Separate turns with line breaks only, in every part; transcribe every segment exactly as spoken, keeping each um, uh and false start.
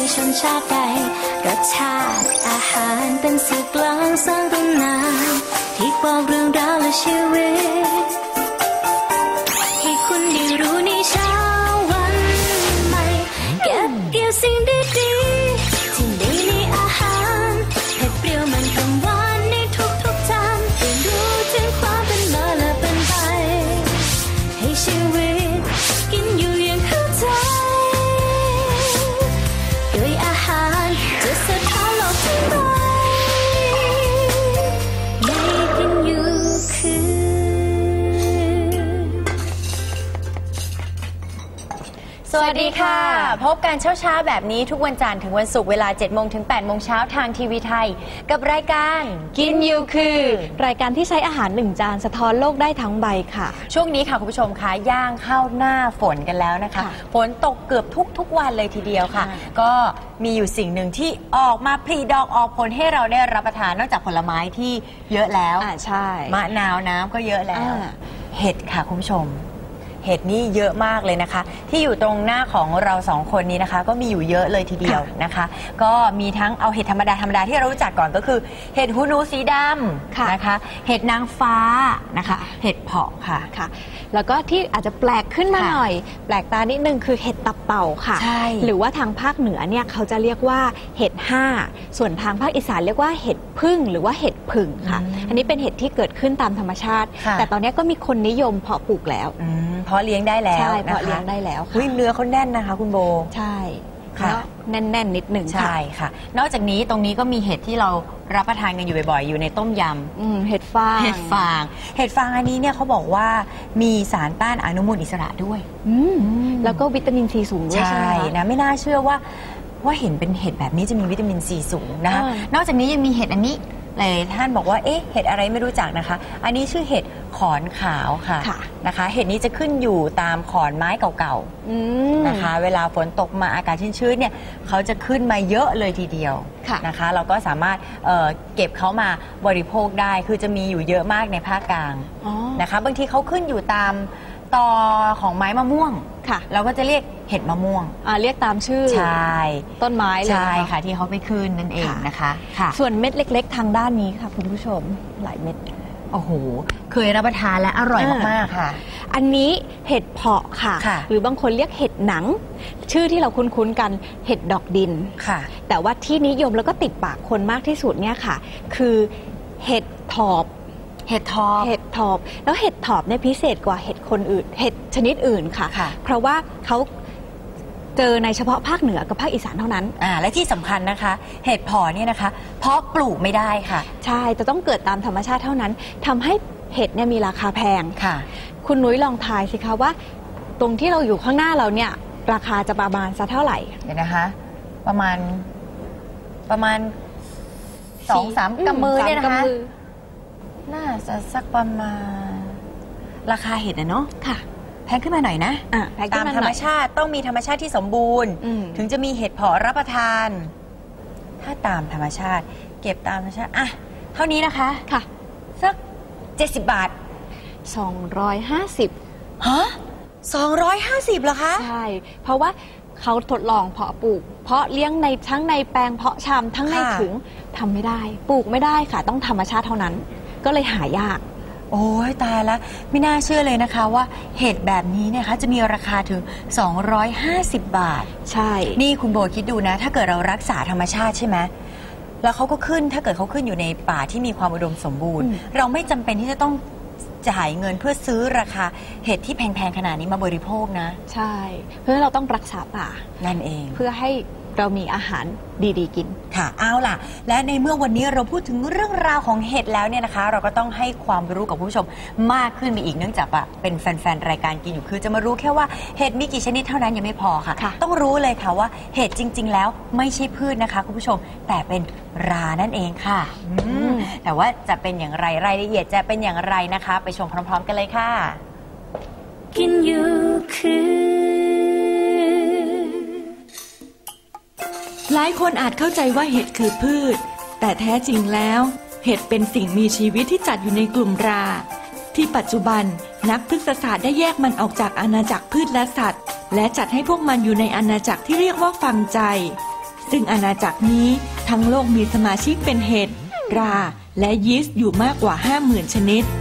ชนชาติใดรสชาติอาหารเป็นสื่อกลางสร้างตำนานที่บอกเรื่องราวและชีวิตให้คุณได้รู้ในเช้าวันใหม่เก็บเกี่ยวสิ่งดีๆที่มีในอาหารเผ็ดเปรี้ยวมันกังวานในทุกๆจานเรียนรู้ถึงความเป็นมาและเป็นไปให้ชีวิตกินอยู่อย่างเข้าใจโดยอาหารจะสะท้อนโลกทั้งใบในกินอยู่คือ
สวัสดีค่ะพบกันเช้าเช้าแบบนี้ทุกวันจันทร์ถึงวันศุกร์เวลา เจ็ดโมง ถึง แปดโมง เช้าทางทีวีไทยกับรายการกินอยู่คือ
รายการที่ใช้อาหารหนึ่งจานสะท้อนโลกได้ทั้งใบค่ะ
ช่วงนี้ค่ะคุณผู้ชมคะย่างเข้าหน้าฝนกันแล้วนะคะฝนตกเกือบทุกทุกวันเลยทีเดียวค่ะก็มีอยู่สิ่งหนึ่งที่ออกมาผลิดอกออกผลให้เราได้รับประทานนอกจากผลไม้ที่เยอะแล้ว
อ่าใช่
มะนาวน้ำก็เยอะแล้วเห็ดค่ะคุณผู้ชมเห็ดนี่เยอะมากเลยนะคะที่อยู่ตรงหน้าของเราสองคนนี้นะคะก็มีอยู่เยอะเลยทีเดียวนะคะก็มีทั้งเอาเห็ดธรรมดาธรรมดาที่เรารู้จักก่อนก็คือเห็ดหูหนูสีดำนะคะเห็ดนางฟ้านะคะเห็ดเผาะค่ะ
ค่ะแล้วก็ที่อาจจะแปลกขึ้นมาหน่อยแปลกตานิดนึงคือเห็ดตับเต่าค่ะหรือว่าทางภาคเหนือเนี่ยเขาจะเรียกว่าเห็ดห้าส่วนทางภาคอีสานเรียกว่าเห็ดพึ่งหรือว่าเห็ดผึ่งค่ะอันนี้เป็นเห็ดที่เกิดขึ้นตามธรรมชาติแต่ตอนนี้ก็มีคนนิยมเพาะปลูกแล้ว
เพาะเลี้ยงได้แล้ว
ใช่เพาะเลี้ยงได้แล้ว
ค่ะเนื้อเขาแน่นนะคะคุณโบ
ใช่ค่ะแน่นๆนิดหนึ่ง
ใช่ค่ะนอกจากนี้ตรงนี้ก็มีเห็ดที่เรารับประทานกันอยู่บ่อยๆอยู่ในต้มย
ำเห็ดฟาง
เห็ดฟางเห็ดฟางอันนี้เนี่ยเขาบอกว่ามีสารต้านอนุมูลอิสระด้วย
แล้วก็วิตามินซีสูงด้วย
ใช่นะไม่น่าเชื่อว่าว่าเห็นเป็นเห็ดแบบนี้จะมีวิตามินซีสูงนะคะนอกจากนี้ยังมีเห็ดอันนี้หลายท่านบอกว่าเอ๊ะเห็ดอะไรไม่รู้จักนะคะอันนี้ชื่อเห็ดขอนขาวค่ะนะคะเห็ดนี้จะขึ้นอยู่ตามขอนไม้เก่าๆนะคะเวลาฝนตกมาอากาศชื้นๆเนี่ยเขาจะขึ้นมาเยอะเลยทีเดียวนะคะเราก็สามารถ เอ่อ เก็บเขามาบริโภคได้คือจะมีอยู่เยอะมากในภาคกลางนะคะบางทีเขาขึ้นอยู่ตามตอของไม้มะม่วงเราก็จะเรียกเห็ดมะม่วง
เรียกตามชื่อ
ใช่
ต้นไม้เลย
ใช่ค่ะที่เขาไปขึ้นนั่นเองนะคะ
ส่วนเม็ดเล็กๆทางด้านนี้ค่ะคุณผู้ชมหลายเม็ด
โอ้โหเคยรับประทานและอร่อยมากๆค่ะ
อันนี้เห็ดเผาะค่ะหรือบางคนเรียกเห็ดหนังชื่อที่เราคุ้นๆกันเห็ดดอกดิน
ค่ะ
แต่ว่าที่นิยมแล้วก็ติดปากคนมากที่สุดเนี่ยค่ะคือเห็ดถอบ
เห็ดทอบ
เห็ดทอบแล้วเห็ดถอบเนี่ยพิเศษกว่าเห็ดคนอื่นเห็ดชนิดอื่นค่ะเพราะว่าเขาเจอในเฉพาะภาคเหนือกับภาคอีสานเท่านั้น
อ่าและที่สำคัญนะคะเห็ดเพาะเนี่ยนะคะเพาะปลูกไม่ได้ค่ะ
ใช่จะต้องเกิดตามธรรมชาติเท่านั้นทำให้เห็ดเนี่ยมีราคาแพง
ค่ะ
คุณนุ้ยลองทายสิคะว่าตรงที่เราอยู่ข้างหน้าเราเนี่ยราคาจะประมาณสักเท่าไหร่
เดี๋ยวนะคะประมาณประมาณสองสามกำมือเนี่ยนะคะน่าจะสักประมาณราคาเห็ดนะเนาะ
ค่ะ
แพงขึ้นมาหน่อยนะตามธรรมชาติต้องมีธรรมชาติที่สมบูรณ์ถึงจะมีเห็ดเพาะรับประทานถ้าตามธรรมชาติเก็บตามธรรมชาติอ่ะเท่านี้นะคะ
ค่ะ
สักเจ็ดสิบบาท
สองร้อยห้าสิบ
ฮะสองร้อยห้าสิบเหรอคะ
ใช่เพราะว่าเขาทดลองเพาะปลูกเพาะเลี้ยงในทั้งในแปลงเพาะชำทั้งในถุงทำไม่ได้ปลูกไม่ได้ค่ะต้องธรรมชาติเท่านั้นก็เลยหายาก
โอ้ยตายแล้วไม่น่าเชื่อเลยนะคะว่าเห็ดแบบนี้เนี่ยคะจะมีราคาถึงสองร้อยห้าสิบบาท
ใช่
นี่คุณโบคิดดูนะถ้าเกิดเรารักษาธรรมชาติใช่ไหมแล้วเขาก็ขึ้นถ้าเกิดเขาขึ้นอยู่ในป่าที่มีความอุดมสมบูรณ์เราไม่จำเป็นที่จะต้องจ่ายเงินเพื่อซื้อราคาเห็ดที่แพงๆขนาดนี้มาบริโภคนะ
ใช่เพื่อเราต้องรักษาป่า
นั่นเอง
เพื่อให้เรามีอาหารดีๆกิน
ค่ะเอาล่ะและในเมื่อวันนี้เราพูดถึงเรื่องราวของเห็ดแล้วเนี่ยนะคะเราก็ต้องให้ความรู้กับผู้ชมมากขึ้นไปอีกเนื่องจากว่าเป็นแฟนๆรายการกินอยู่คือจะมารู้แค่ว่าเห็ดมีกี่ชนิดเท่านั้นยังไม่พอค่ะต้องรู้เลยค่ะว่าเห็ดจริงๆแล้วไม่ใช่พืชนะคะคุณผู้ชมแต่เป็นรานั่นเองค่ะแต่ว่าจะเป็นอย่างไรรายละเอียดจะเป็นอย่างไรนะคะไปชมพร้อมๆกันเลยค่ะ
กินอยู่คือ
หลายคนอาจเข้าใจว่าเห็ดคือพืชแต่แท้จริงแล้วเห็ดเป็นสิ่งมีชีวิตที่จัดอยู่ในกลุ่มราที่ปัจจุบันนักพฤกษศาสตร์ได้แยกมันออกจากอาณาจักรพืชและสัตว์และจัดให้พวกมันอยู่ในอาณาจักรที่เรียกว่าฟังใจซึ่งอาณาจักรนี้ทั้งโลกมีสมาชิกเป็นเห็ดราและยีสต์อยู่มากกว่า ห้าหมื่น ชนิด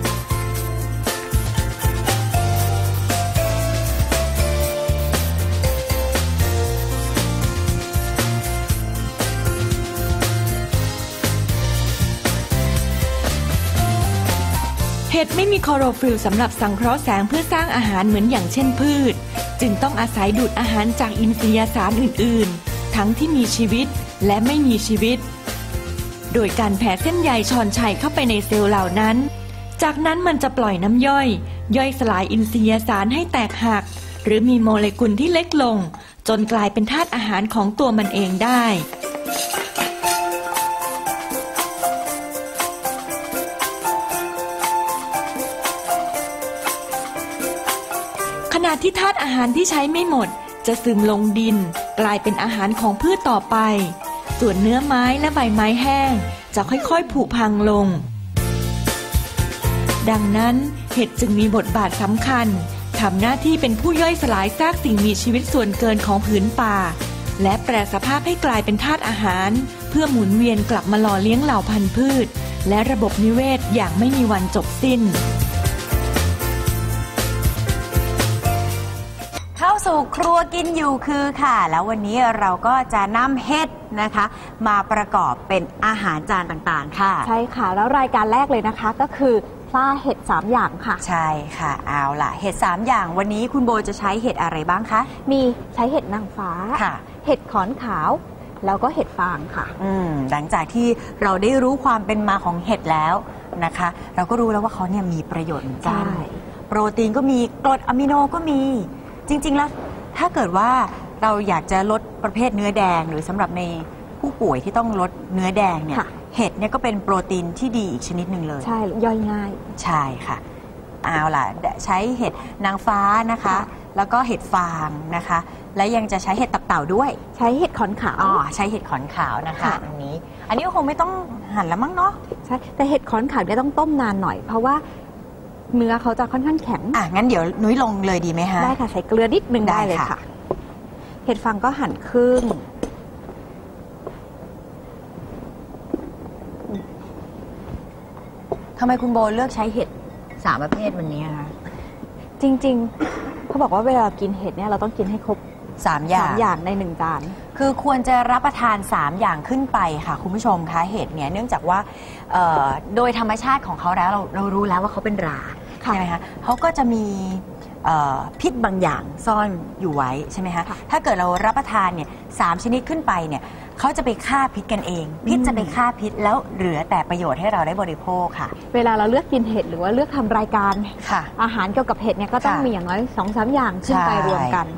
เห็ดไม่มีคลอโรฟิลล์สำหรับสังเคราะห์แสงเพื่อสร้างอาหารเหมือนอย่างเช่นพืชจึงต้องอาศัยดูดอาหารจากอินทรียสารอื่นๆทั้งที่มีชีวิตและไม่มีชีวิตโดยการแผ่เส้นใยชอนชัยเข้าไปในเซลล์เหล่านั้นจากนั้นมันจะปล่อยน้ำย่อยย่อยสลายอินทรียสารให้แตกหักหรือมีโมเลกุลที่เล็กลงจนกลายเป็นธาตุอาหารของตัวมันเองได้ขณะที่ธาตุอาหารที่ใช้ไม่หมดจะซึมลงดินกลายเป็นอาหารของพืชต่อไปส่วนเนื้อไม้และใบไม้แห้งจะค่อยๆผุพังลงดังนั้นเห็ดจึงมีบทบาทสำคัญทำหน้าที่เป็นผู้ย่อยสลายซากสิ่งมีชีวิตส่วนเกินของผืนป่าและแปรสภาพให้กลายเป็นธาตุอาหารเพื่อหมุนเวียนกลับมาหล่อเลี้ยงเหล่าพันธุ์พืชและระบบนิเวศอย่างไม่มีวันจบสิ้น
เข้าสู่ครัวกินอยู่คือค่ะแล้ววันนี้เราก็จะนำเห็ดนะคะมาประกอบเป็นอาหารจานต่างๆค่ะ
ใช่ค่ะแล้วรายการแรกเลยนะคะก็คือปลาเห็ดสามอย่างค่ะ
ใช่ค่ะเอาล่ะเห็ดสามอย่างวันนี้คุณโบจะใช้เห็ดอะไรบ้างคะ
มีใช้เห็ดนางฟ้าค่ะเห็ดขอนขาวแล้วก็เห็ดฟางค่ะ
อืมหลังจากที่เราได้รู้ความเป็นมาของเห็ดแล้วนะคะเราก็รู้แล้วว่าเขาเนี่ยมีประโยชน์เหมือนกันโปรตีนก็มีกรดอะมิโนก็มีจริงๆแล้วถ้าเกิดว่าเราอยากจะลดประเภทเนื้อแดงหรือสำหรับในผู้ป่วยที่ต้องลดเนื้อแดงเนี่ยเห็ดเนี่ยก็เป็นโปรตีนที่ดีอีกชนิดหนึ่งเลย
ใช่ย่อยง่าย
ใช่ค่ะเอาล่ะใช้เห็ดนางฟ้านะคะแล้วก็เห็ดฟางนะคะและยังจะใช้เห็ดตับเต่าด้วย
ใช้เห็ดขอนขาว
อ๋อใช้เห็ดขอนขาวนะคะอันนี้อันนี้ก็คงไม่ต้องหั่นแล้วมั้งเนาะ
ใช่แต่เห็ดขอนขาวเนี่ยต้องต้มนานหน่อยเพราะว่าเนื้อเขาจะค่อนข้างแข็ง
อ่ะงั้นเดี๋ยวนุ้ยลงเลยดีไหมฮะ
ได้ค่ะใส่เกลือนิดนึงได้เลยค่ะเห็ดฟางก็หั่นครึ่ง
ทำไมคุณโบเลือกใช้เห็ดสามประเภทวันนี้คะ
จริงๆเขาบอกว่าเวลากินเห็ดเนี่ยเราต้องกินให้ครบ
สามอย่าง
สามอย่างในหนึ่งจาน
คือควรจะรับประทานสามอย่างขึ้นไปค่ะคุณผู้ชมคะเห็ดเนี่ยเนื่องจากว่าโดยธรรมชาติของเขาแล้วเราเรารู้แล้วว่าเขาเป็นราใช่ไหมคะเขาก็จะมีพิษบางอย่างซ่อนอยู่ไว้ใช่ไหมคะถ้าเกิดเรารับประทานเนี่ยสามชนิดขึ้นไปเนี่ยเขาจะไปฆ่าพิษกันเองพิษจะไปฆ่าพิษแล้วเหลือแต่ประโยชน์ให้เราได้บริโภคค่ะ
เวลาเราเลือกกินเห็ดหรือว่าเลือกทำรายการอาหารเกี่ยวกับเห็ดเนี่ยก็ต้องมีอย่างน้อยสองสามอย่างขึ้นไปรวมกัน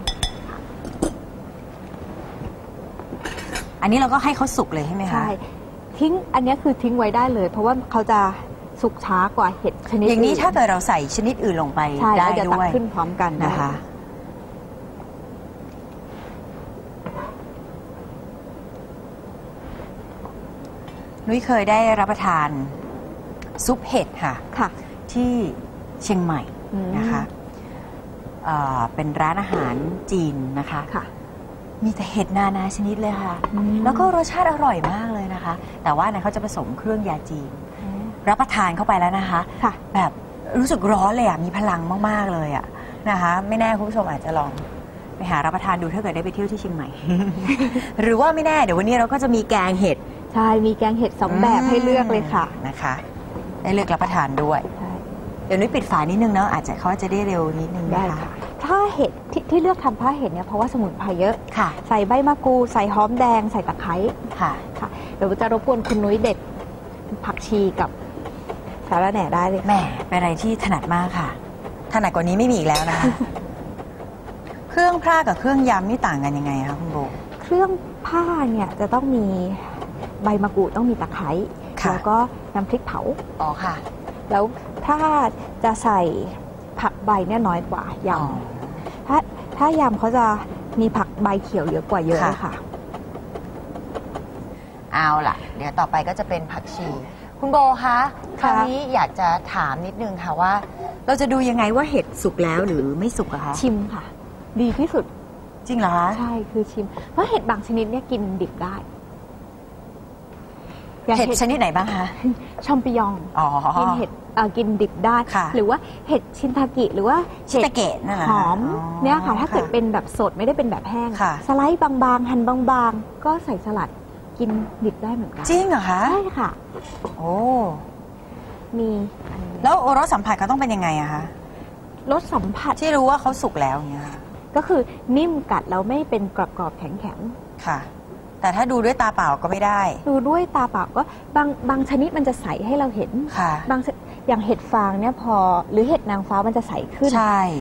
อันนี้เราก็ให้เขาสุกเลยใช่ไหมคะ
ใช่ทิ้งอันนี้คือทิ้งไว้ได้เลยเพราะว่าเขาจะสุกช้ากว่าเห็ดชนิด
อย่างนี้ถ้าเกิดเราใส่ชนิดอื่นลงไปได้ด้วย
ขึ้นพร้อมกัน
นะคะนุ้ยเคยได้รับประทานซุปเห็ดค่ะ
ค่ะ
ที่เชียงใหม่นะคะเป็นร้านอาหารจีนนะคะ
ค่ะ
มีแต่เห็ดนานาชนิดเลยค่ะแล้วก็รสชาติอร่อยมากเลยนะคะแต่ว่าเนี่ยเขาจะผสมเครื่องยาจีนรับประทานเข้าไปแล้วนะคะแบบรู้สึกร้อนเลยอ่ะมีพลังมากๆเลยอ่ะนะคะไม่แน่คุณผู้ชมอาจจะลองไปหารับประทานดูถ้าเกิดได้ไปเที่ยวที่เชียงใหม่ หรือว่าไม่แน่เดี๋ยววันนี้เราก็จะมีแกงเห็ด
ใช่มีแกงเห็ดสองแบบให้เลือกเลยค่ะ
นะคะได้เลือกรับประทานด้วยเดี๋ยวนุ้ยปิดฝานิดนึงเนาะอาจจะเขาจะได้เร็วนิดนึงนะคะ
ถ้าเห็ด ท, ที่เลือกทำผ้าเห็ดเนี่ยเพราะว่าสมุนไพรเยอะ
ค่ะ
ใส่ใบมะกรูดใส่หอมแดงใส่ตะไคร้
ค่ะ
ค่ะเดี๋ยวจะรบกวนคุณนุ้ยเด็ดผักชีกับสาระแหน่ได้เลย
แหมเป็นอะไรที่ถนัดมากค่ะถนัดกว่านี้ไม่มีอีกแล้วนะคะ เครื่องพร่ากับเครื่องยำนี่ต่างกันยังไงคะคุณโบ
เครื่องผ้าเนี่ยจะต้องมีใบมะกรูดต้องมีตะไคร้แล้วก็น้ำพริกเผา
อ๋อค่ะ
แล้วถ้าจะใส่ผักใบเนี่ยน้อยกว่ายำถ้าถ้ายำเขาจะมีผักใบเขียวเยอะกว่าเยอะเลยค่ะ
เอาล่ะเดี๋ยวต่อไปก็จะเป็นผักชีคุณโบคะคราวนี้อยากจะถามนิดนึงค่ะว่าเราจะดูยังไงว่าเห็ดสุกแล้วหรือไม่สุกอะคะ
ชิมค่ะดีที่สุด
จริงเหรอคะ
ใช่คือชิมเพราะเห็ดบางชนิดเนี่ยกินดิบได้
เห็ดชนิดไหนบ้างคะ
ชอมปิยองกินเห็ดกินดิบได้หรือว่าเห็ดชินทากิหรือว่า
ชินทาเกะ
หอมเนี่ยค่ะถ้าเกิดเป็นแบบสดไม่ได้เป็นแบบแห้งสไลด์บางๆหั่นบางๆก็ใส่สลัดกินดิบได้เหมือนกัน
จริงเหรอคะ
ใช่ค่ะ
โอ้
มี
แล้วรสสัมผัสเขาต้องเป็นยังไงอะคะ
รสสัมผัส
ที่รู้ว่าเขาสุกแล้วเนี่ย
ก็คือนิ่มกัดแล้วไม่เป็นกรอบๆแข็ง
ๆค่ะแต่ถ้าดูด้วยตาเปล่าก็ไม่ได้
ดูด้วยตาเปล่าก็บางบางชนิดมันจะใสให้เราเห็น
ค่ะ
บางอย่างเห็ดฟางเนี่ยพอหรือเห็ดนางฟ้ามันจะใสขึ้น
ใช่